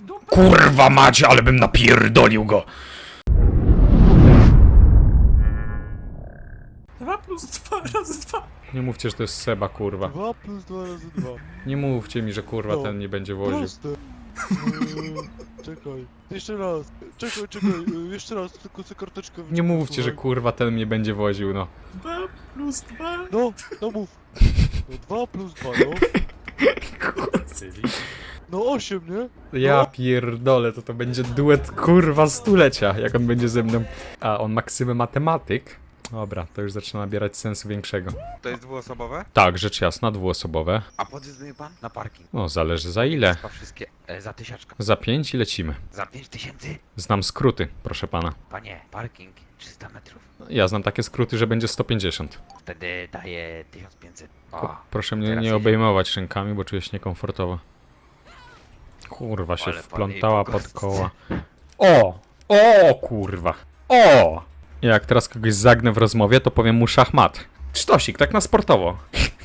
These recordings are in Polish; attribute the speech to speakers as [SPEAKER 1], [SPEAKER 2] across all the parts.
[SPEAKER 1] Kurwa macie, ale bym napierdolił go!
[SPEAKER 2] 2 plus 2 razy 2.
[SPEAKER 1] Nie mówcie, że to jest Seba, kurwa.
[SPEAKER 3] 2 plus 2 razy 2.
[SPEAKER 1] Nie mówcie mi, że kurwa
[SPEAKER 3] No.
[SPEAKER 1] ten nie będzie woził.
[SPEAKER 3] Proste. Czekaj. Jeszcze raz. Czekaj. Jeszcze raz, tylko sobie karteczkę
[SPEAKER 1] Nie mówcie, że kurwa ten mnie będzie woził, no.
[SPEAKER 2] 2 plus 2.
[SPEAKER 3] No mów. No 2 plus 2, no. No 8, nie?
[SPEAKER 1] Ja pierdolę, to będzie duet kurwa stulecia, jak on będzie ze mną. A on maksymę matematyk? Dobra, to już zaczyna nabierać sensu większego.
[SPEAKER 4] To jest dwuosobowe?
[SPEAKER 1] Tak, rzecz jasna, dwuosobowe.
[SPEAKER 4] A podjeżdżuje pan na parking?
[SPEAKER 1] No, zależy za ile.
[SPEAKER 4] Chyba wszystkie za 1000.
[SPEAKER 1] Za 5 i lecimy.
[SPEAKER 4] Za 5000?
[SPEAKER 1] Znam skróty, proszę pana.
[SPEAKER 4] Panie, parking 300 metrów.
[SPEAKER 1] Ja znam takie skróty, że będzie 150.
[SPEAKER 4] Wtedy daje 1500. O,
[SPEAKER 1] Proszę mnie
[SPEAKER 4] teraz
[SPEAKER 1] nie
[SPEAKER 4] jedzie.
[SPEAKER 1] obejmować rękami, bo czuję się niekomfortowo. Kurwa się
[SPEAKER 4] Ale pan
[SPEAKER 1] wplątała
[SPEAKER 4] jej
[SPEAKER 1] pod
[SPEAKER 4] pogostce.
[SPEAKER 1] koła. O! O kurwa! O! Jak teraz kogoś zagnę w rozmowie, to powiem mu szachmat. Sztosik, tak na sportowo.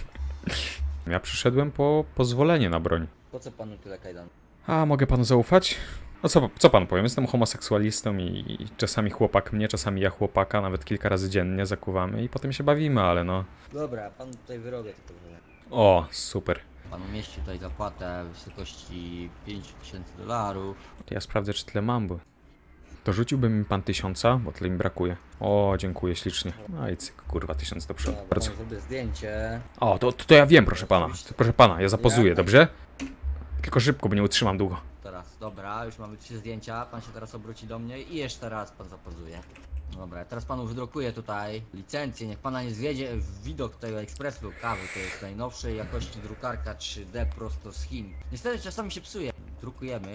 [SPEAKER 1] Ja przyszedłem po pozwolenie na broń.
[SPEAKER 5] Po co panu tyle kajdan?
[SPEAKER 1] A mogę panu zaufać? No co pan powiem? Jestem homoseksualistą i czasami chłopak mnie, czasami ja chłopaka, nawet kilka razy dziennie zakuwamy i potem się bawimy, ale no...
[SPEAKER 5] Dobra, panu tutaj wyrobię to dobrze.
[SPEAKER 1] O, super.
[SPEAKER 5] Panu mieści tutaj zapłatę w wysokości $5000.
[SPEAKER 1] Ja sprawdzę, czy tyle mam, bo... Dorzuciłby mi pan 1000, bo tyle mi brakuje. O, dziękuję ślicznie. No i cyk, kurwa, 1000 do przodu.
[SPEAKER 5] Dobra,
[SPEAKER 1] Bardzo.
[SPEAKER 5] panu zrobię zdjęcie.
[SPEAKER 1] O, to ja wiem, proszę pana. Proszę pana, ja zapozuję,
[SPEAKER 5] Jak?
[SPEAKER 1] dobrze? Tylko szybko, bo nie utrzymam długo.
[SPEAKER 5] Teraz, dobra, już mamy 3 zdjęcia. Pan się teraz obróci do mnie i jeszcze raz pan zapozuje. Dobra, teraz panu wydrukuję tutaj licencję. Niech pana nie zwiedzie w widok tego ekspresu kawy. To jest najnowszej jakości drukarka 3D prosto z Chin. Niestety czasami się psuje. Drukujemy.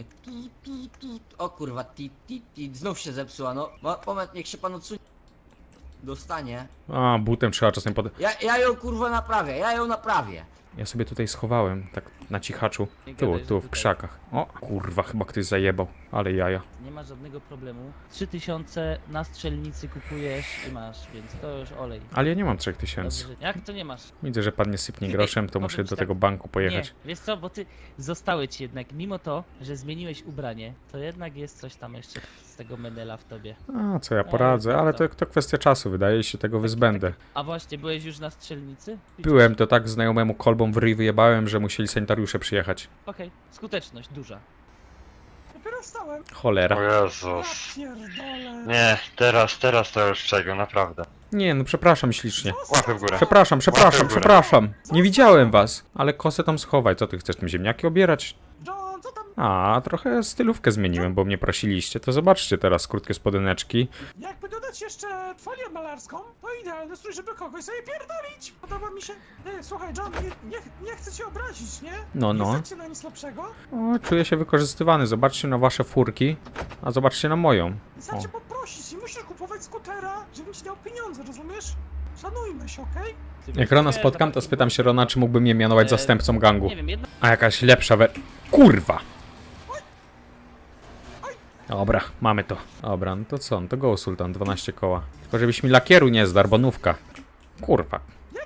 [SPEAKER 5] O kurwa, znów się zepsuła. No, moment, niech się pan odsunie. Dostanie.
[SPEAKER 1] A, butem trzeba czasem pod...
[SPEAKER 5] Ja ją kurwa naprawię.
[SPEAKER 1] Ja sobie tutaj schowałem, tak na cichaczu.
[SPEAKER 5] Nie
[SPEAKER 1] Tu,
[SPEAKER 5] gadaj, że
[SPEAKER 1] tu, w
[SPEAKER 5] tutaj.
[SPEAKER 1] krzakach. O, kurwa, chyba ktoś zajebał. Ale jaja.
[SPEAKER 6] Nie ma żadnego problemu. 3000 na strzelnicy kupujesz i masz, więc to już olej.
[SPEAKER 1] Ale ja nie mam 3000.
[SPEAKER 6] Dobrze. Jak to nie masz?
[SPEAKER 1] Widzę, że pan nie sypnie groszem, to
[SPEAKER 6] Ej,
[SPEAKER 1] muszę
[SPEAKER 6] powiem ci
[SPEAKER 1] do
[SPEAKER 6] tak.
[SPEAKER 1] tego banku pojechać.
[SPEAKER 6] Nie, wiesz co, bo ty zostały ci jednak, mimo to, że zmieniłeś ubranie, to jednak jest coś tam jeszcze z tego menela w tobie.
[SPEAKER 1] A, co ja
[SPEAKER 6] No,
[SPEAKER 1] poradzę,
[SPEAKER 6] jest
[SPEAKER 1] ale
[SPEAKER 6] prawda.
[SPEAKER 1] to kwestia czasu, wydaje się, tego wyzbędę.
[SPEAKER 6] A właśnie, byłeś już na strzelnicy?
[SPEAKER 1] Byłem, to tak znajomemu kolbą w ryj wyjebałem, że musieli sanitariusze przyjechać.
[SPEAKER 6] Okej, skuteczność duża.
[SPEAKER 2] Dopiero wstałem.
[SPEAKER 1] Cholera.
[SPEAKER 7] O
[SPEAKER 2] Ja
[SPEAKER 7] Jezus.
[SPEAKER 2] pierdolę.
[SPEAKER 7] Nie, teraz to już czego, naprawdę.
[SPEAKER 1] Nie, no przepraszam ślicznie.
[SPEAKER 7] Łapy w górę.
[SPEAKER 1] Przepraszam,
[SPEAKER 7] Łapy w górę.
[SPEAKER 1] przepraszam. Nie widziałem was. Ale kosę tam schowaj. Co ty chcesz, tym ziemniaki obierać?
[SPEAKER 2] John, co tam?
[SPEAKER 1] A, trochę stylówkę zmieniłem, bo mnie prosiliście. To zobaczcie teraz krótkie spodeneczki.
[SPEAKER 2] Jakby dodać jeszcze folię malarską, to idealny strój, żeby kogoś sobie pierdolić. Podoba mi się. Słuchaj, John, nie chcę cię obrazić, nie?
[SPEAKER 1] No, no.
[SPEAKER 2] Nie chcecie na nic lepszego.
[SPEAKER 1] O, czuję się wykorzystywany. Zobaczcie na wasze furki, a zobaczcie na moją.
[SPEAKER 2] Chcę cię poprosić i musisz kupować skutera, żebym ci dał pieniądze, rozumiesz? Szanujmy się, okej?
[SPEAKER 1] Jak Rona spotkam, to spytam się Rona, czy mógłby mnie mianować zastępcą gangu.
[SPEAKER 6] Nie wiem, jedna...
[SPEAKER 1] A jakaś lepsza Kurwa! Dobra, mamy to. Dobra, no to co? No to go Sultan, 12 koła. Tylko żebyś mi lakieru nie zdarł, bo nówka. Kurwa.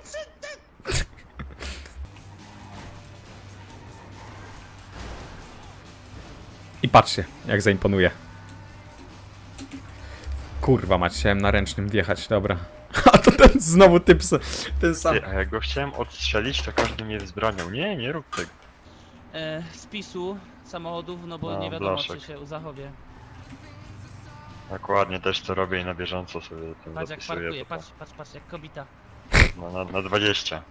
[SPEAKER 1] I patrzcie, jak zaimponuje. Kurwa mać, chciałem na ręcznym wjechać, dobra. A to ten znowu typ, ten sam.
[SPEAKER 7] Ty, a jak go chciałem odstrzelić, to każdy mnie wzbraniał. Nie rób tego.
[SPEAKER 6] spisu samochodów, no bo
[SPEAKER 7] No,
[SPEAKER 6] nie wiadomo,
[SPEAKER 7] blaszek.
[SPEAKER 6] czy się zachowie.
[SPEAKER 7] Dokładnie, też to robię i na bieżąco sobie tym
[SPEAKER 6] Patrz jak
[SPEAKER 7] zapisuję.
[SPEAKER 6] parkuje,
[SPEAKER 7] to
[SPEAKER 6] patrz jak kobita.
[SPEAKER 7] No, na 20.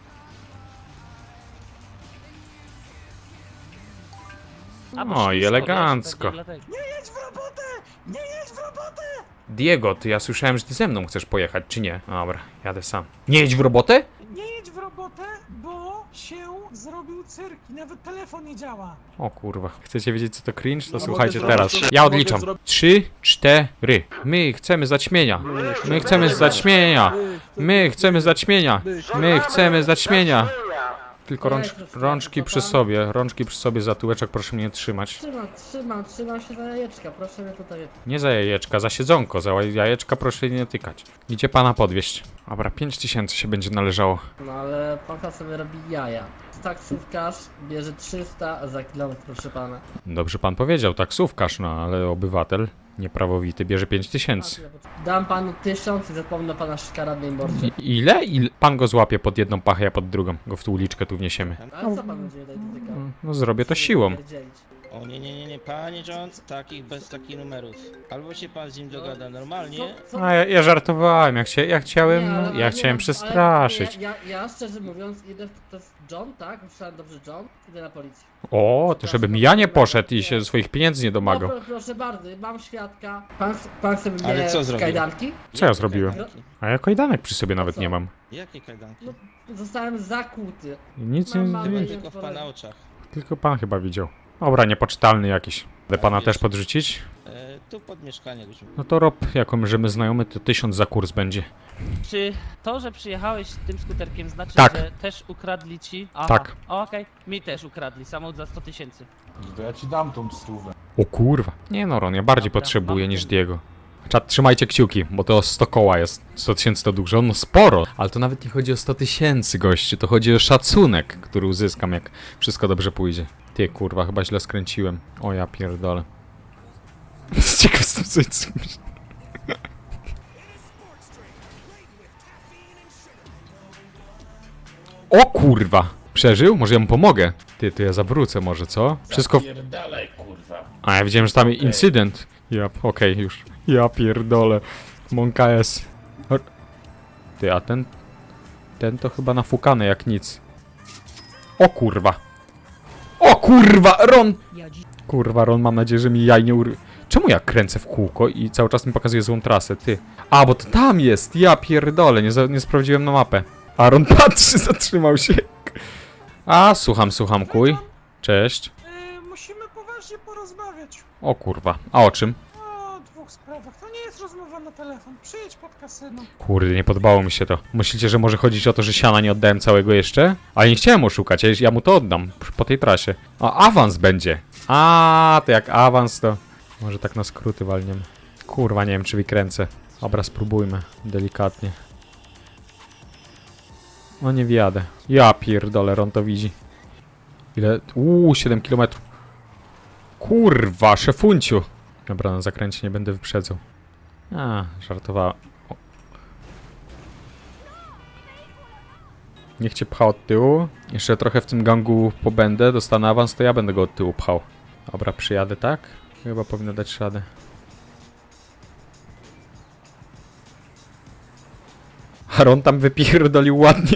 [SPEAKER 6] A, bo
[SPEAKER 1] No i
[SPEAKER 6] ślisko,
[SPEAKER 1] elegancko.
[SPEAKER 6] wiesz, pewnie dlatego.
[SPEAKER 2] Nie jedź w robotę! Nie jedź w robotę!
[SPEAKER 1] Diego, ty ja słyszałem, że ty ze mną chcesz pojechać, czy nie? Dobra, jadę sam. Nie jedź w robotę?
[SPEAKER 2] Nie jedź w robotę, bo się zrobił cyrk i nawet telefon nie działa.
[SPEAKER 1] O kurwa. Chcecie wiedzieć co to cringe? To
[SPEAKER 3] No,
[SPEAKER 1] słuchajcie
[SPEAKER 3] mogę
[SPEAKER 1] teraz.
[SPEAKER 3] zrobić-
[SPEAKER 1] Ja
[SPEAKER 3] mogę
[SPEAKER 1] odliczam.
[SPEAKER 3] zrobić-
[SPEAKER 1] 3, 4. My chcemy zaćmienia. My chcemy zaćmienia. My chcemy zaćmienia. My chcemy zaćmienia. Tylko rączki przy sobie. Rączki przy sobie za tyłeczek, proszę mnie trzymać.
[SPEAKER 5] Trzymam się za jajeczka, proszę mnie tutaj.
[SPEAKER 1] Nie za jajeczka, za siedzonko. Za jajeczka proszę nie tykać. Idzie pana podwieźć. Dobra, 5000 się będzie należało.
[SPEAKER 5] No ale pan sobie robi jaja. Taksówkarz bierze 300 za kilometr, proszę pana.
[SPEAKER 1] Dobrze pan powiedział, taksówkarz, no ale obywatel nieprawowity bierze 5000.
[SPEAKER 5] Dam panu 1000 i zapomnę pana szkaradnej mordzie.
[SPEAKER 1] Ile? Pan go złapie pod jedną pachę, a pod drugą. Go w tą uliczkę tu wniesiemy.
[SPEAKER 5] Ale co pan będzie tutaj dotykał?
[SPEAKER 1] No zrobię to siłą.
[SPEAKER 8] O nie, panie John, bez takich numerów. Albo się pan z nim dogada normalnie.
[SPEAKER 1] A ja żartowałem, ja chciałem przestraszyć.
[SPEAKER 5] Ja szczerze mówiąc idę, to jest John, tak? Myślałem dobrze John, idę na policję.
[SPEAKER 1] O, to żebym ja nie poszedł i się swoich pieniędzy nie domagał.
[SPEAKER 5] No, proszę bardzo, mam świadka. Pan sobie
[SPEAKER 8] Ale
[SPEAKER 5] bierze
[SPEAKER 8] co zrobił?
[SPEAKER 5] kajdanki?
[SPEAKER 1] Co ja zrobiłem?
[SPEAKER 8] Kajdanki?
[SPEAKER 1] A ja kajdanek przy sobie nawet
[SPEAKER 5] co?
[SPEAKER 1] nie mam.
[SPEAKER 8] Jakie kajdanki?
[SPEAKER 5] No, zostałem zakuty.
[SPEAKER 1] Nic
[SPEAKER 5] Mam
[SPEAKER 1] nie...
[SPEAKER 8] Tylko w pana oczach.
[SPEAKER 1] Tylko pan chyba widział. Dobra, niepoczytalny jakiś. Chcę pana też podrzucić?
[SPEAKER 8] Tu pod mieszkanie byśmy.
[SPEAKER 1] No to rob, jako że my znajomy, to 1000 za kurs będzie.
[SPEAKER 6] Czy to, że przyjechałeś tym skuterkiem znaczy,
[SPEAKER 1] Tak.
[SPEAKER 6] że też ukradli ci? Aha.
[SPEAKER 1] Tak.
[SPEAKER 6] Okej, mi też ukradli, samochód za 100 000.
[SPEAKER 2] To ja ci dam tą stówę.
[SPEAKER 1] O kurwa. Nie no, Ron, ja bardziej
[SPEAKER 6] Dobra,
[SPEAKER 1] potrzebuję
[SPEAKER 6] mam
[SPEAKER 1] niż
[SPEAKER 6] ten.
[SPEAKER 1] Diego. Czat, trzymajcie kciuki, bo to 100 koła jest. 100 000 to dużo, no sporo. Ale to nawet nie chodzi o 100 000, gościu. To chodzi o szacunek, który uzyskam, jak wszystko dobrze pójdzie. Ty kurwa, chyba źle skręciłem. O ja pierdolę. Ciekaw jestem, co jest. O kurwa! Przeżył? Może ja mu pomogę? Ty, to ja zawrócę może, co? Wszystko...
[SPEAKER 2] Pierdalej, kurwa.
[SPEAKER 1] A ja widziałem, że tam incydent. Ja, okej, już. Ja pierdolę. Monka jest. Ty, a ten... Ten to chyba nafukany jak nic. O kurwa. O kurwa, Ron! Kurwa, Ron, mam nadzieję, że mi jaj nie Czemu ja kręcę w kółko i cały czas mi pokazuje złą trasę, ty? A, bo to tam jest! Ja pierdolę, nie sprawdziłem na mapę. A Ron patrzy, zatrzymał się. A, słucham, kuj. Cześć.
[SPEAKER 2] Musimy poważnie porozmawiać
[SPEAKER 1] O kurwa, a o czym?
[SPEAKER 2] o dwóch sprawach. To nie jest rozmowa na telefon. Przyjedź pod kasyno.
[SPEAKER 1] Kurde, nie podobało mi się to. Myślicie, że może chodzić o to, że siana nie oddałem całego jeszcze? Ale nie chciałem oszukać, ja mu to oddam po tej trasie. A awans będzie. A, to jak awans to... Może tak na skróty walniemy. Kurwa, nie wiem czy wykręcę. Dobra, spróbujmy. Delikatnie. No nie wjadę. Ja pierdolę, Ron to widzi. Ile? 7 km. Kurwa, szefunciu. Dobra, na zakręcie nie będę wyprzedzał. A, żartowała. O. Niech cię pcha od tyłu. Jeszcze trochę w tym gangu pobędę, dostanę awans, to ja będę go od tyłu pchał. Dobra, przyjadę, tak? Chyba powinno dać radę. Aaron tam wypierdolił ładnie.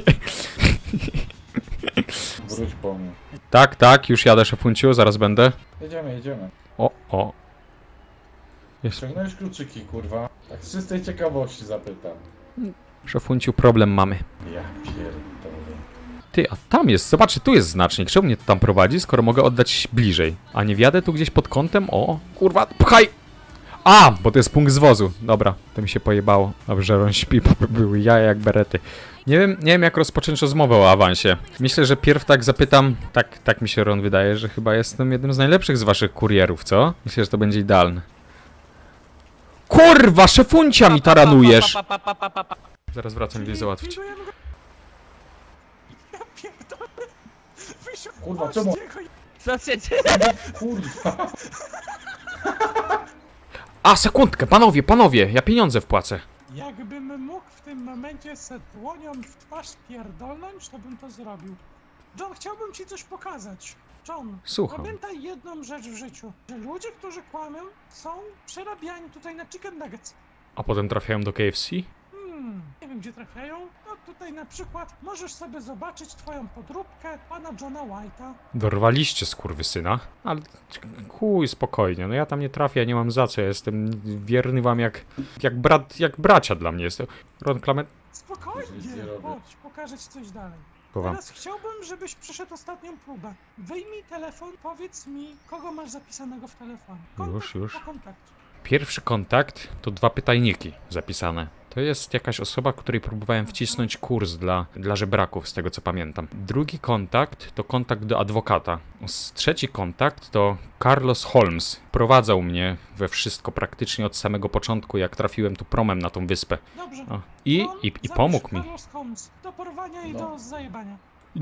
[SPEAKER 2] Wróć po mnie.
[SPEAKER 1] Tak, już jadę, szefunciu, zaraz będę.
[SPEAKER 2] Jedziemy.
[SPEAKER 1] O. Jest,
[SPEAKER 2] Ściągnąłeś kluczyki, kurwa. Tak z czystej ciekawości zapytam.
[SPEAKER 1] szefunciu, problem mamy.
[SPEAKER 2] Ja pierdolę.
[SPEAKER 1] Ty, a tam jest, zobaczcie, tu jest znacznik. Czemu mnie to tam prowadzi, skoro mogę oddać bliżej? A nie wjadę tu gdzieś pod kątem? O, kurwa, pchaj! A, bo to jest punkt zwozu. Dobra, to mi się pojebało. Dobrze, że on śpi, bo były jaja jak berety. Nie wiem jak rozpocząć rozmowę o awansie. Myślę, że pierw tak zapytam, tak mi się Ron wydaje, że chyba jestem jednym z najlepszych z waszych kurierów, co? Myślę, że to będzie idealne. Kurwa, szefuncia mi taranujesz! Zaraz wracam i załatwić.
[SPEAKER 2] Ja pierdolę. Wysiądź
[SPEAKER 3] Kurwa, czemu?
[SPEAKER 6] Co się dzieje?
[SPEAKER 3] Kurwa.
[SPEAKER 1] A, sekundkę, panowie, ja pieniądze wpłacę.
[SPEAKER 2] Jakbym mógł w tym momencie se dłonią w twarz pierdolnąć, to bym to zrobił. John, chciałbym ci coś pokazać. John,
[SPEAKER 1] Słucham.
[SPEAKER 2] pamiętaj jedną rzecz w życiu, że ludzie, którzy kłamią, są przerabiani tutaj na chicken nuggets.
[SPEAKER 1] A potem trafiają do KFC?
[SPEAKER 2] Nie wiem gdzie trafiają. No tutaj na przykład możesz sobie zobaczyć twoją podróbkę pana Johna White'a.
[SPEAKER 1] Dorwaliście skurwysyna. Ale chuj, spokojnie, no ja tam nie trafię, ja nie mam za co, ja jestem wierny wam jak bracia dla mnie jest. Ron Klamet...
[SPEAKER 2] Spokojnie,
[SPEAKER 3] Nic nie robię.
[SPEAKER 2] chodź, pokażę ci coś dalej.
[SPEAKER 1] Chowam.
[SPEAKER 2] Teraz chciałbym, żebyś przeszedł ostatnią próbę. Wyjmij telefon, powiedz mi, kogo masz zapisanego w telefonie.
[SPEAKER 1] Już.
[SPEAKER 2] Po kontakcie.
[SPEAKER 1] Pierwszy kontakt to 2 pytajniki zapisane. To jest jakaś osoba, której próbowałem wcisnąć kurs dla żebraków, z tego co pamiętam. Drugi kontakt to kontakt do adwokata. Trzeci kontakt to Carlos Holmes. Prowadzał mnie we wszystko praktycznie od samego początku, jak trafiłem tu promem na tą wyspę.
[SPEAKER 2] Dobrze.
[SPEAKER 1] O, I
[SPEAKER 2] Zapisz
[SPEAKER 1] pomógł mi.
[SPEAKER 2] Carlos Holmes. Do porwania i do zajebania.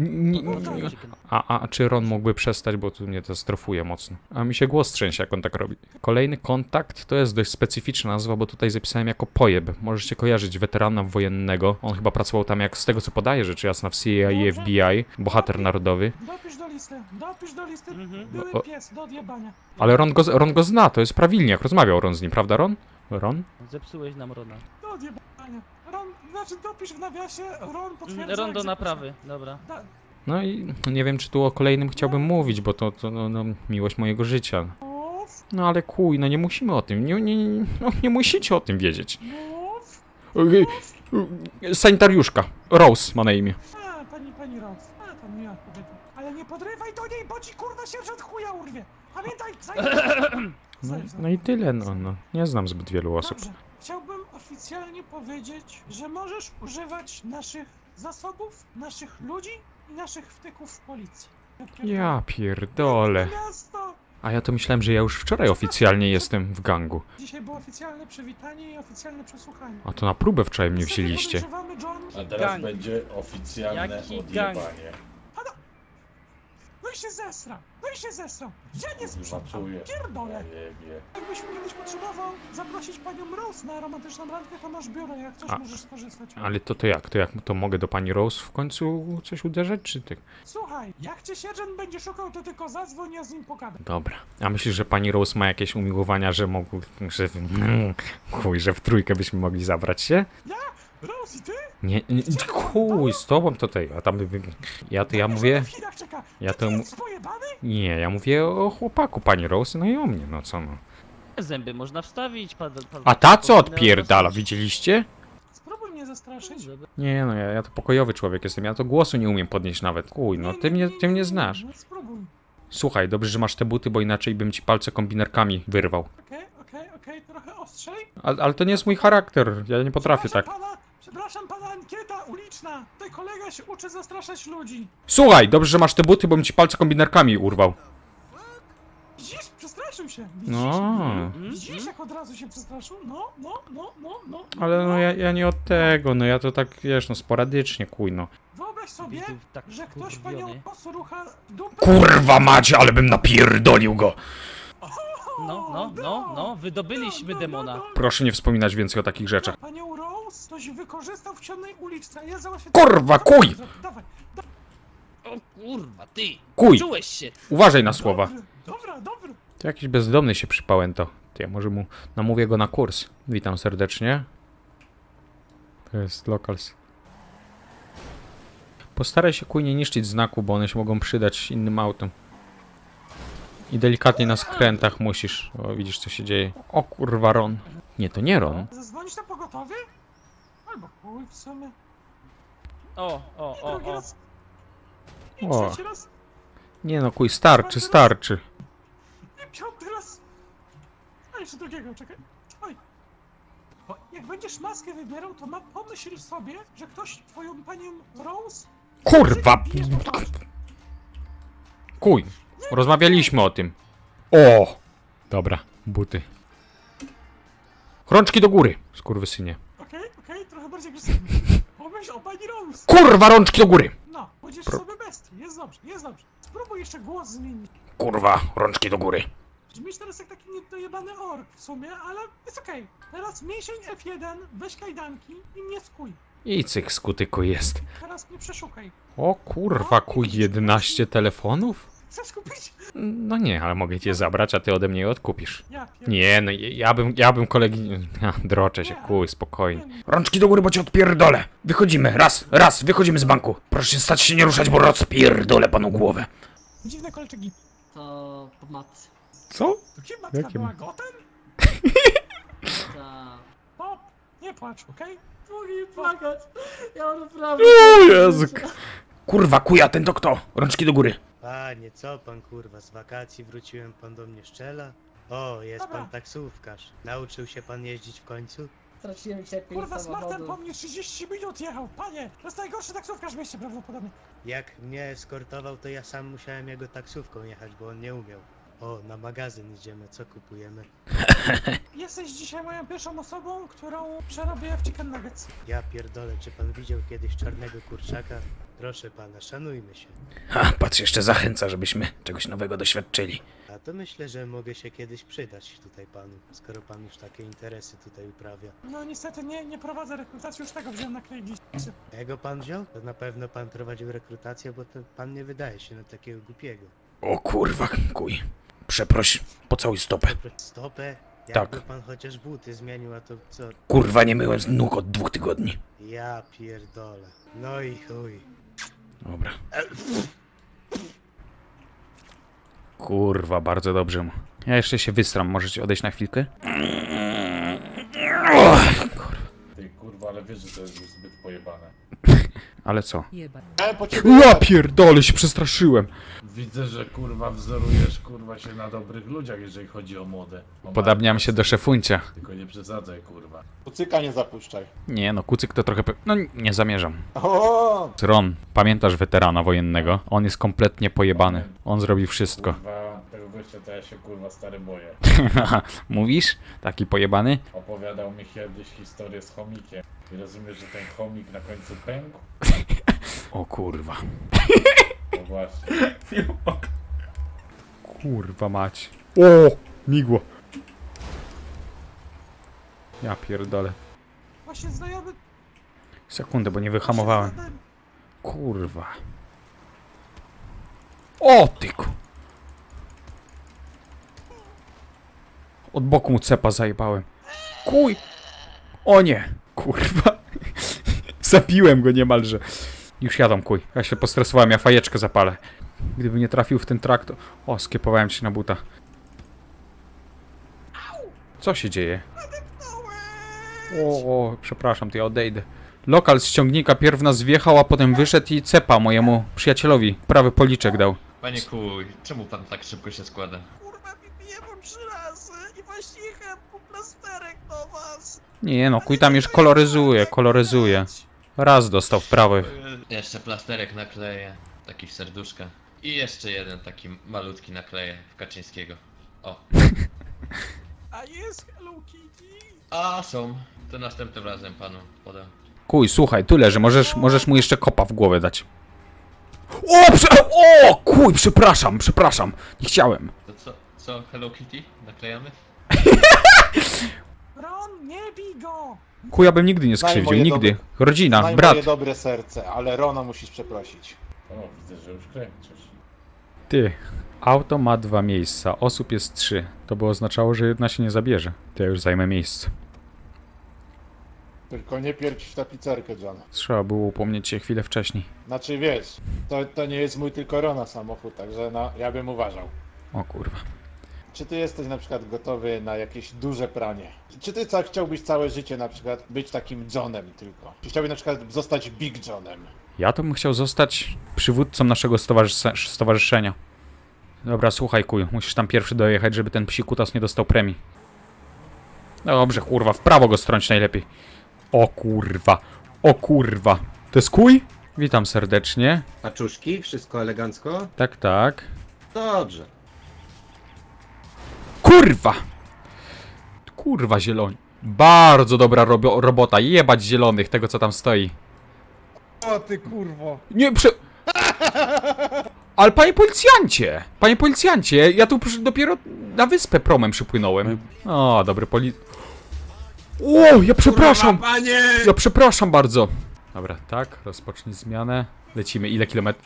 [SPEAKER 1] A czy Ron mógłby przestać, bo tu mnie to strofuje mocno. A mi się głos trzęsie, jak on tak robi. Kolejny kontakt to jest dość specyficzna nazwa, bo tutaj zapisałem jako pojeb. Możecie kojarzyć weterana wojennego. On chyba pracował tam, jak z tego co podaje, rzecz jasna, w CIA i FBI. Bohater narodowy.
[SPEAKER 2] Dopisz do listy. Były
[SPEAKER 1] O.
[SPEAKER 2] pies do odjebania.
[SPEAKER 1] Ale Ron go zna, to jest prawilniak. Rozmawiał Ron z nim, prawda Ron? Ron?
[SPEAKER 6] Zepsułeś nam Rona.
[SPEAKER 2] Do odjebania. Dopisz w nawiasie, Ron potwierdza.
[SPEAKER 6] Ron do
[SPEAKER 2] egzekucję.
[SPEAKER 6] naprawy, dobra.
[SPEAKER 1] No i nie wiem, czy tu o kolejnym chciałbym mówić, bo to no, miłość mojego życia.
[SPEAKER 2] Mów,
[SPEAKER 1] No ale kuj, no nie musimy o tym, nie musicie o tym wiedzieć.
[SPEAKER 2] mów.
[SPEAKER 1] Sanitariuszka, Rose ma na imię.
[SPEAKER 2] Pani Rose. To miła kobieta. Ale nie podrywaj do niej, bo ci kurwa sierżant chuja urwie. Pamiętaj,
[SPEAKER 1] No i tyle, no. Nie znam zbyt wielu osób.
[SPEAKER 2] Dobrze. Chciałbym oficjalnie powiedzieć, że możesz używać naszych zasobów, naszych ludzi i naszych wtyków w policji.
[SPEAKER 1] Ja pierdolę.
[SPEAKER 2] Miasto!
[SPEAKER 1] A ja to myślałem, że ja już wczoraj oficjalnie jestem w gangu.
[SPEAKER 2] Dzisiaj było oficjalne przywitanie i oficjalne przesłuchanie.
[SPEAKER 1] A to na próbę wczoraj mnie wzięliście.
[SPEAKER 2] Podejrzewamy, John.
[SPEAKER 9] A teraz
[SPEAKER 6] Gang.
[SPEAKER 9] będzie oficjalne
[SPEAKER 6] Jaki
[SPEAKER 9] odjebanie.
[SPEAKER 2] No i się zesra! Ja nie sprzątam!
[SPEAKER 9] Zobaczyłem.
[SPEAKER 2] Pierdolę!
[SPEAKER 9] Ja jebie.
[SPEAKER 2] Jakbyś kiedyś potrzebował zaprosić panią Rose na romantyczną randkę, to masz biuro, jak coś
[SPEAKER 1] A.
[SPEAKER 2] możesz skorzystać.
[SPEAKER 1] Ale to jak? To mogę do pani Rose w końcu coś uderzać, czy tak?
[SPEAKER 2] Słuchaj, jak cię sierżant będzie szukał, to tylko zadzwoń, ja z nim pogadam.
[SPEAKER 1] Dobra. A myślisz, że pani Rose ma jakieś umiłowania, że że w trójkę byśmy mogli zabrać się?
[SPEAKER 2] Rose i ty?
[SPEAKER 1] Nie, chuj, z tobą to tej, a tam ja mówię,
[SPEAKER 2] W Chinach czeka.
[SPEAKER 1] ja
[SPEAKER 2] Ty
[SPEAKER 1] to
[SPEAKER 2] jest pojebany?
[SPEAKER 1] nie, ja mówię o chłopaku pani Rose, no i o mnie, no co no.
[SPEAKER 6] Zęby można wstawić,
[SPEAKER 1] A ta co
[SPEAKER 6] powinny
[SPEAKER 1] odpierdala,
[SPEAKER 6] rosnąć.
[SPEAKER 1] widzieliście?
[SPEAKER 2] Spróbuj mnie zastraszyć.
[SPEAKER 1] Nie no, ja to pokojowy człowiek jestem, ja to głosu nie umiem podnieść nawet. Kuj, no ty mnie znasz.
[SPEAKER 2] No, spróbuj.
[SPEAKER 1] Słuchaj, dobrze, że masz te buty, bo inaczej bym ci palce kombinerkami wyrwał.
[SPEAKER 2] Okej, trochę ostrzej.
[SPEAKER 1] Ale to nie jest mój charakter, ja nie potrafię tak.
[SPEAKER 2] Przepraszam pana, ankieta uliczna. Tutaj kolega się uczy zastraszać ludzi.
[SPEAKER 1] Słuchaj, dobrze, że masz te buty, bo bym ci palce kombinerkami urwał.
[SPEAKER 2] Widzisz? Przestraszył się. Widzisz?
[SPEAKER 1] No,
[SPEAKER 2] Widzisz, jak od razu się przestraszył? No.
[SPEAKER 1] ale no ja nie od tego, no ja to tak, wiesz, no sporadycznie, kuj, no.
[SPEAKER 2] Wyobraź sobie,
[SPEAKER 6] Widzów tak
[SPEAKER 2] że ktoś
[SPEAKER 6] wkurwiony.
[SPEAKER 2] panią posrucha dupę.
[SPEAKER 1] Kurwa macie, ale bym napierdolił go!
[SPEAKER 6] No, wydobyliśmy demona.
[SPEAKER 1] Proszę nie wspominać więcej o takich rzeczach.
[SPEAKER 2] Panią Rose ktoś wykorzystał w ciemnej uliczce. Ja załatwię...
[SPEAKER 1] Kurwa, kuj!
[SPEAKER 2] Dawaj.
[SPEAKER 6] O kurwa, ty!
[SPEAKER 1] Kuj!
[SPEAKER 6] Czułeś się!
[SPEAKER 1] Uważaj na słowa.
[SPEAKER 2] Dobry.
[SPEAKER 1] To jakiś bezdomny się przypałem to. Ja może mu namówię go na kurs. Witam serdecznie. To jest locals. Postaraj się kuj nie niszczyć znaku, bo one się mogą przydać innym autom. I delikatnie na skrętach musisz. O, widzisz co się dzieje. O kurwa, Ron. Nie, to nie Ron.
[SPEAKER 2] Zadzwonić na pogotowie? Albo chuj w sumie.
[SPEAKER 6] O.
[SPEAKER 2] Drugi raz. I
[SPEAKER 1] O.
[SPEAKER 2] trzeci raz.
[SPEAKER 1] Nie no, kuj, starczy.
[SPEAKER 2] I piąty raz. A jeszcze drugiego, czekaj. Oj. Bo jak będziesz maskę wybierał, to pomyśl sobie, że ktoś twoją panią Rose...
[SPEAKER 1] Kurwa!
[SPEAKER 2] bije po twarzy.
[SPEAKER 1] Kuj, rozmawialiśmy o tym. O! Dobra, buty. Rączki do góry, skurwysynie.
[SPEAKER 2] Okej, trochę bardziej agresywnie. Pomyśl o pani Rose.
[SPEAKER 1] Kurwa, rączki do góry!
[SPEAKER 2] No, będziesz sobie bestii. Jest dobrze. Spróbuj jeszcze głos zmienić.
[SPEAKER 1] Kurwa, rączki do góry.
[SPEAKER 2] Brzmisz teraz jak taki niedojebany ork w sumie, ale jest okej. Teraz mięsień F1, weź kajdanki i mnie skuj.
[SPEAKER 1] I cyk skutyku jest.
[SPEAKER 2] Teraz mnie przeszukaj.
[SPEAKER 1] O kurwa, kuj, 11 telefonów?
[SPEAKER 2] Chcesz kupić?
[SPEAKER 1] No nie, ale mogę cię zabrać, a ty ode mnie je odkupisz.
[SPEAKER 2] Ja
[SPEAKER 1] Nie, no ja bym kolegi... Droczę się, kuj, spokojnie. Rączki do góry, bo cię odpierdolę. Wychodzimy, raz, wychodzimy z banku. Proszę stać się nie ruszać, bo rozpierdolę panu głowę.
[SPEAKER 2] Dziwne kolczyki.
[SPEAKER 5] To po matce.
[SPEAKER 1] Co?
[SPEAKER 2] To kim matka
[SPEAKER 1] Jakie
[SPEAKER 2] była gotem?
[SPEAKER 5] Ta...
[SPEAKER 2] Pop, nie płacz, okej?
[SPEAKER 5] Mogę płakać. Ja naprawdę...
[SPEAKER 1] O Jezu. Kurwa, kuja, ten to kto? Rączki do góry.
[SPEAKER 10] Panie, co pan kurwa, z wakacji wróciłem, pan do mnie szczela?
[SPEAKER 9] O, jest
[SPEAKER 2] Dobra.
[SPEAKER 9] pan taksówkarz. Nauczył się pan jeździć w końcu?
[SPEAKER 5] Straciłem cierpień
[SPEAKER 2] Kurwa, smartem po mnie 30 minut jechał, panie! To jest najgorszy taksówkarz w mieście prawdopodobnie.
[SPEAKER 9] Jak mnie eskortował, to ja sam musiałem jego taksówką jechać, bo on nie umiał. O, na magazyn idziemy, co kupujemy?
[SPEAKER 2] Jesteś dzisiaj moją pierwszą osobą, którą przerobię w chicken nuggets.
[SPEAKER 9] Ja pierdolę, czy pan widział kiedyś czarnego kurczaka? Proszę pana, szanujmy się.
[SPEAKER 1] Ha, patrz, jeszcze zachęca, żebyśmy czegoś nowego doświadczyli.
[SPEAKER 9] A to myślę, że mogę się kiedyś przydać tutaj panu, skoro pan już takie interesy tutaj uprawia.
[SPEAKER 2] No niestety nie prowadzę rekrutacji, już tego wziąłem na klejliście.
[SPEAKER 9] Jego pan wziął? To na pewno pan prowadził rekrutację, bo to pan nie wydaje się na takiego głupiego.
[SPEAKER 1] O kurwa, kuj. Przeproś, pocałuj stopę.
[SPEAKER 9] Stopę?
[SPEAKER 1] Tak.
[SPEAKER 9] Jakby pan chociaż buty zmienił, a to co?
[SPEAKER 1] Kurwa, nie myłem z nóg od 2 tygodni.
[SPEAKER 9] Ja pierdolę. No i chuj.
[SPEAKER 1] Dobra. Kurwa, bardzo dobrze mu. Ja jeszcze się wystram, możecie odejść na chwilkę?
[SPEAKER 10] Ty kurwa, ale wiesz, że to jest już zbyt pojebane.
[SPEAKER 1] Ale co?
[SPEAKER 10] Ja po ciebie
[SPEAKER 1] Ja pierdolę, się przestraszyłem.
[SPEAKER 10] widzę, że kurwa wzorujesz kurwa się na dobrych ludziach, jeżeli chodzi o modę.
[SPEAKER 1] Podobniam się do szefuncia.
[SPEAKER 10] Tylko nie przesadzaj kurwa.
[SPEAKER 3] Kucyka nie zapuszczaj.
[SPEAKER 1] Nie no, kucyk to trochę... No, nie zamierzam.
[SPEAKER 3] O!
[SPEAKER 1] Ron, pamiętasz weterana wojennego? On jest kompletnie pojebany. On zrobi wszystko.
[SPEAKER 10] Kurwa, tego gościa to ja się kurwa stary boję.
[SPEAKER 1] Mówisz? Taki pojebany?
[SPEAKER 10] Opowiadał mi kiedyś historię z chomikiem. I rozumiesz, że ten chomik na końcu pękł?
[SPEAKER 1] O kurwa.
[SPEAKER 10] No właśnie.
[SPEAKER 1] Kurwa mać. O! Migło. Ja pierdolę.
[SPEAKER 2] Właśnie znajomy...
[SPEAKER 1] Sekundę, bo nie wyhamowałem. Kurwa. O tyku. Od boku mu cepa zajebałem. Kuj. O nie. Kurwa. Zabiłem go niemalże. Już jadą, kuj. Ja się postresowałem, ja fajeczkę zapalę. Gdyby nie trafił w ten traktor... O, skiepowałem się na buta. Co się dzieje? O, przepraszam, to ja odejdę. Lokal z ciągnika pierw nas wjechał, a potem wyszedł i cepa mojemu przyjacielowi. Prawy policzek dał.
[SPEAKER 11] Panie kuj, czemu pan tak szybko się składa?
[SPEAKER 2] Kurwa, mi bije po 3 razy i właśnie jechałem po plasterek do was.
[SPEAKER 1] Nie no, kuj tam już koloryzuje. Raz dostał w prawo.
[SPEAKER 11] Jeszcze plasterek nakleję, taki w serduszka. I jeszcze jeden taki malutki nakleję w Kaczyńskiego. O.
[SPEAKER 2] A jest Hello Kitty?
[SPEAKER 11] A są. To następnym razem panu podam.
[SPEAKER 1] Kuj, słuchaj, tu leży, możesz mu jeszcze kopa w głowę dać. O, kuj, przepraszam, nie chciałem.
[SPEAKER 11] To co Hello Kitty? Naklejamy?
[SPEAKER 2] Ron, nie bij go!
[SPEAKER 1] Kuj, ja bym nigdy nie skrzywdził, nigdy. Rodzina,
[SPEAKER 3] Znaj
[SPEAKER 1] brat.
[SPEAKER 3] moje dobre serce, ale Rona musisz przeprosić.
[SPEAKER 10] O, widzę, że już kręcisz.
[SPEAKER 1] Ty, auto ma 2 miejsca, osób jest 3. To by oznaczało, że jedna się nie zabierze. To ja już zajmę miejsce.
[SPEAKER 3] Tylko nie pierdź w tapicerkę, John.
[SPEAKER 1] Trzeba było upomnieć się chwilę wcześniej.
[SPEAKER 3] Znaczy wiesz, to nie jest mój tylko Rona samochód, także no, ja bym uważał.
[SPEAKER 1] O kurwa.
[SPEAKER 3] Czy ty jesteś na przykład gotowy na jakieś duże pranie? Czy ty chciałbyś całe życie na przykład być takim Johnem tylko? Czy chciałbyś na przykład zostać Big Johnem?
[SPEAKER 1] Ja to bym chciał zostać przywódcą naszego stowarzyszenia. Dobra, słuchaj kuj, musisz tam pierwszy dojechać, żeby ten psikutas nie dostał premii. Dobrze, kurwa, w prawo go strąć najlepiej. O kurwa. To jest kuj? Witam serdecznie.
[SPEAKER 9] Paczuszki, wszystko elegancko?
[SPEAKER 1] Tak, tak.
[SPEAKER 9] Dobrze.
[SPEAKER 1] Kurwa zieloni. Bardzo dobra robota, jebać zielonych, tego co tam stoi.
[SPEAKER 3] O ty kurwo!
[SPEAKER 1] Nie, Ale panie policjancie, ja tu dopiero na wyspę promem przypłynąłem. O, dobry O, ja przepraszam! Ja przepraszam bardzo. Dobra, tak, rozpocznij zmianę. Lecimy, ile kilometrów?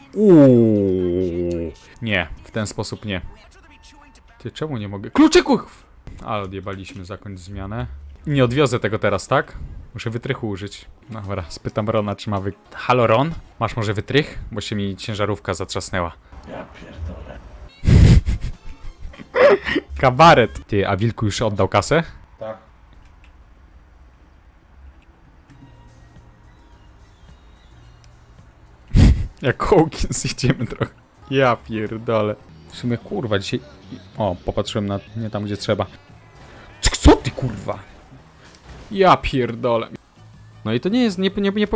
[SPEAKER 1] Nie, w ten sposób nie. Ty, czemu nie mogę? Kluczyków! Ale odjebaliśmy, zakończ zmianę. Nie odwiozę tego teraz, tak? Muszę wytrychu użyć. Dobra, spytam Rona, czy ma Halo Ron? Masz może wytrych? Bo się mi ciężarówka zatrzasnęła.
[SPEAKER 10] Ja pierdolę.
[SPEAKER 1] Kabaret! Ty, a Wilku już oddał kasę?
[SPEAKER 10] Tak.
[SPEAKER 1] Jak Hawkins idziemy trochę. Ja pierdolę. W sumie kurwa, dzisiaj O, popatrzyłem na nie tam, gdzie trzeba. Co ty, kurwa? Ja pierdolę. No i to nie jest, nie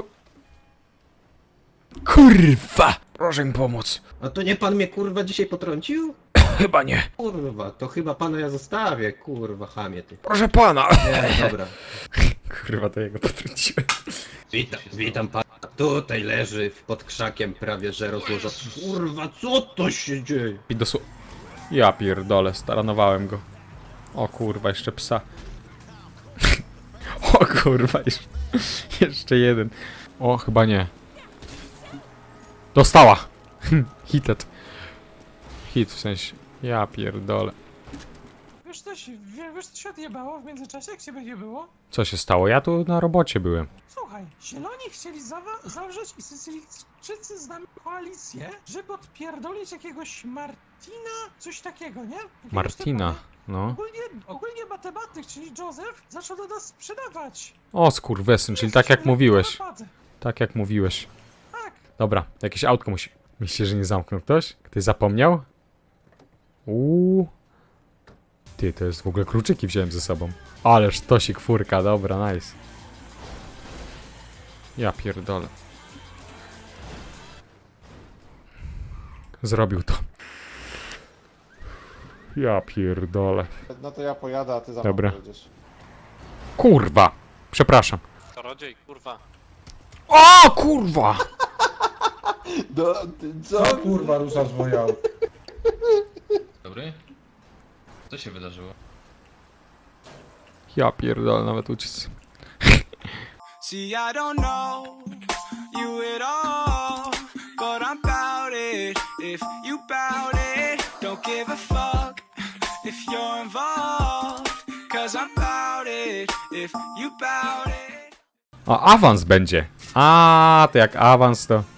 [SPEAKER 1] Kurwa! Proszę mi pomóc.
[SPEAKER 12] A to nie pan mnie kurwa dzisiaj potrącił?
[SPEAKER 1] Chyba nie.
[SPEAKER 12] Kurwa, to chyba pana ja zostawię, kurwa chamie ty.
[SPEAKER 1] Proszę pana.
[SPEAKER 12] Nie, dobra.
[SPEAKER 1] Kurwa, to jego potrąciłem.
[SPEAKER 12] Witam pana. Tutaj leży pod krzakiem prawie że rozłożony. Kurwa, co to się dzieje?
[SPEAKER 1] I ja pierdolę, staranowałem go. O kurwa, jeszcze psa. O kurwa, jeszcze jeden. O, chyba nie. Dostała! Hitet. Hit w sensie. Ja pierdolę.
[SPEAKER 2] Wiesz co się odjebało w międzyczasie, jak ciebie nie było?
[SPEAKER 1] Co się stało? Ja tu na robocie byłem.
[SPEAKER 2] Słuchaj, zieloni chcieli zawrzeć i Sycylijczycy z nami koalicję, żeby odpierdolić jakiegoś Martina, coś takiego, nie? Jakiegoś
[SPEAKER 1] Martina,
[SPEAKER 2] typa, nie?
[SPEAKER 1] no.
[SPEAKER 2] Ogólnie matematyk, czyli Joseph, zaczął do nas sprzedawać.
[SPEAKER 1] O skurwesyn, czyli tak jak mówiłeś.
[SPEAKER 2] Napady.
[SPEAKER 1] Tak jak mówiłeś.
[SPEAKER 2] Tak.
[SPEAKER 1] Dobra, jakieś autko musi... Myślicie, że nie zamknął ktoś? Ktoś zapomniał? Ty, to jest w ogóle kluczyki wziąłem ze sobą. Ależ tosik furka, dobra, nice. Ja pierdolę. Zrobił to. Ja pierdolę.
[SPEAKER 3] No to ja pojadę, a ty za mną
[SPEAKER 1] Dobra.
[SPEAKER 3] pojedziesz.
[SPEAKER 1] Kurwa! Przepraszam.
[SPEAKER 13] Czarodziej, kurwa.
[SPEAKER 1] O kurwa!
[SPEAKER 3] Co?
[SPEAKER 10] Kurwa, ruszasz moje auto.
[SPEAKER 11] Dobry? Co się wydarzyło?
[SPEAKER 1] Ja pierdolę, nawet uciec.
[SPEAKER 14] See, I don't know you at all, but I'm bout it. If you bout it, don't give a fuck if you're involved, cause I'm bout it. If you bout it.
[SPEAKER 1] O, awans będzie. A, to jak awans to...